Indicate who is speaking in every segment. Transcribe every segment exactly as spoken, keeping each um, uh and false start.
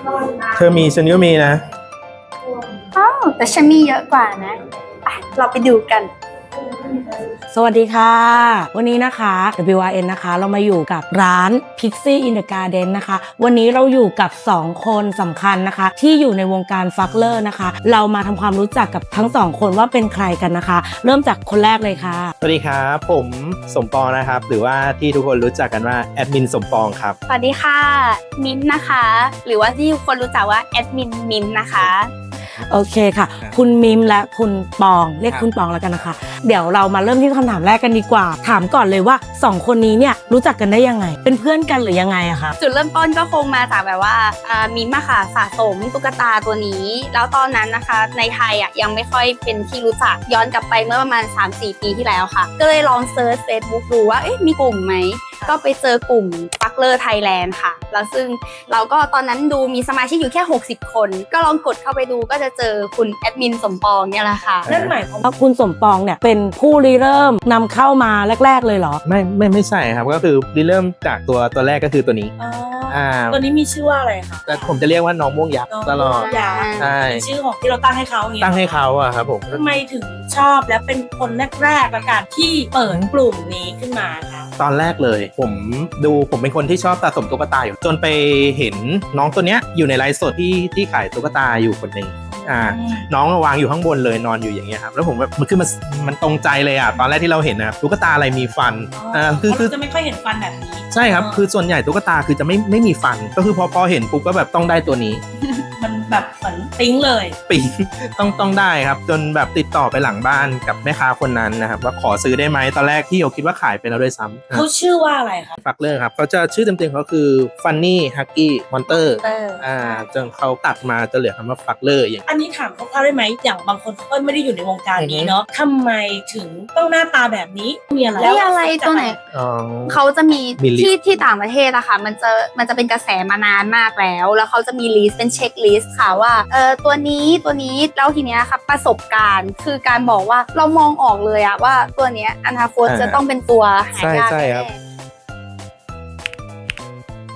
Speaker 1: เธอมีฉันก็มีนะ
Speaker 2: อ้าวแต่ฉันมีเยอะกว่านะไปเราไปดูกัน
Speaker 3: สวัสดีค่ะวันนี้นะคะ ดับเบิลยู อาร์ เอ็น นะคะเรามาอยู่กับร้าน Pixie in the Garden นะคะวันนี้เราอยู่กับสองคนสำคัญนะคะที่อยู่ในวงการฟักเลอร์นะคะเรามาทำความรู้จักกับทั้งสองคนว่าเป็นใครกันนะคะเริ่มจากคนแรกเลยค่ะ
Speaker 1: สวัสดีครับผมสมปองนะครับหรือว่าที่ทุกคนรู้จักกันว่าแอดมินสมปองครับ
Speaker 2: สวัสดีค่ะมิ้นนะคะหรือว่าที่ทุกคนรู้จักว่าแอดมินมิ้นนะคะ
Speaker 3: โอเคค่ะคุณมิมและคุณปองเรียกคุณปองแล้วกันนะคะเดี๋ยวเรามาเริ่มที่คำถามแรกกันดีกว่าถามก่อนเลยว่าสองคนนี้เนี่ยรู้จักกันได้ยังไงเป็นเพื่อนกันหรือยังไงอะคะ
Speaker 2: จุดเริ่มต้นก็คงมาจากแบบว่ามิมอะค่ะสะสมตุ๊กตาตัวนี้แล้วตอนนั้นนะคะในไทยอะยังไม่ค่อยเป็นที่รู้จักย้อนกลับไปเมื่อประมาณ สามสี่ ปีที่แล้วค่ะก็เลยลองเซิร์ช Facebook ดูว่าเอ๊ะมีกลุ่มไหมก็ไปเจอกลุ่มฟักเลอร์ไทยแลนด์ค่ะแล้วซึ่งเราก็ตอนนั้นดูมีสมาชิกอยู่แค่หกสิบคนก็ลองกดเข้าไปดูก็จะเจอคุณแอดมินสมปองเนี่ยแหละค่ะ
Speaker 3: นั่นหมายความว่าคุณสมปองเนี่ยเป็นผู้ริเริ่มนำเข้ามาแรกๆเลยเหรอ
Speaker 1: ไม่ไม่ไม่ใช่ครับก็คือริเริ่มจากตัวตัวแรกก็คือตัวนี้
Speaker 3: อ่าตัวนี้มีชื่อว่าอะไรคะ
Speaker 1: แต่ผมจะเรียกว่าน้องม่วงยักษ์ตลอด
Speaker 3: ใช่ชื่อของที่เราตั้งให้เขาอย่างเงี้ย
Speaker 1: ตั้งให้เขาอะครับผม
Speaker 3: ทำไมถึงชอบและเป็นคนแรกๆประกาศที่เปิดกลุ่มนี้ขึ้นมาคะ
Speaker 1: ตอนแรกเลยผมดูผมเป็นคนที่ชอบสะสมตุ๊กตาอยู่จนไปเห็นน้องตัวเนี้ยอยู่ในไลฟ์สดที่ที่ขายตุ๊กตาอยู่คนหนึ่งอ่าน้องวางอยู่ข้างบนเลยนอนอยู่อย่างเงี้ยครับแล้วผมแบบมันคือมันมันตรงใจเลยอ่ะตอนแรกที่เราเห็นนะครับตุ๊กตาอะไรมีฟัน
Speaker 3: อ่าคือคือจะไม่ค่อยเห็นฟันแบบนี้
Speaker 1: ใช่ครับคือส่วนใหญ่ตุ๊กตาคือจะไม่ไม่มีฟันก็คือพอพอเห็นปุ๊บก็แบบต้องได้ตัวนี้
Speaker 3: มันแบบเหมือนปิ๊งเลย
Speaker 1: ปิ๊งต้องต้องได้ครับจนแบบติดต่อไปหลังบ้านกับแม่ค้าคนนั้นนะครับว่าขอซื้อได้ไหมตอนแรกที่เราคิดว่าขายไปแล้วด้วยซ้ำ
Speaker 3: เขาชื่อว่าอะไรครับ
Speaker 1: ฟักเลอร์ครับเขาจะชื่อเต็มๆเขาคือ Funny Huggy Monster อ่าจนเขาตัดมาจะเหลือคำว่าฟักเลอร์อย่าง
Speaker 3: อันนี้ถามเขาได้ไหมอย่างบางคนเขาไม่ได้อยู่ในวงการนี้เนาะทำไมถึงต้องหน้าตาแบบนี้มีอะไร
Speaker 2: แล้วอะไรตัวไหนเขาจะมีที่ที่ต่างประเทศอะค่ะมันจะมันจะเป็นกระแสมานานมากแล้วแล้วเขาจะมีลิสต์เป็นเช็คลิสต์ค่ะว่าเออตัวนี้ตัวนี้แล้วทีเนี้ยครับประสบการณ์คือการบอกว่าเรามองออกเลยอะว่าตัวเนี้ยอนาคตจะต้องเป็นตัวหายากแน่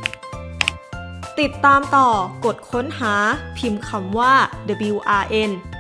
Speaker 4: ติดตามต่อกดค้นหาพิมพ์คำว่า ดับเบิลยู อาร์ เอ็น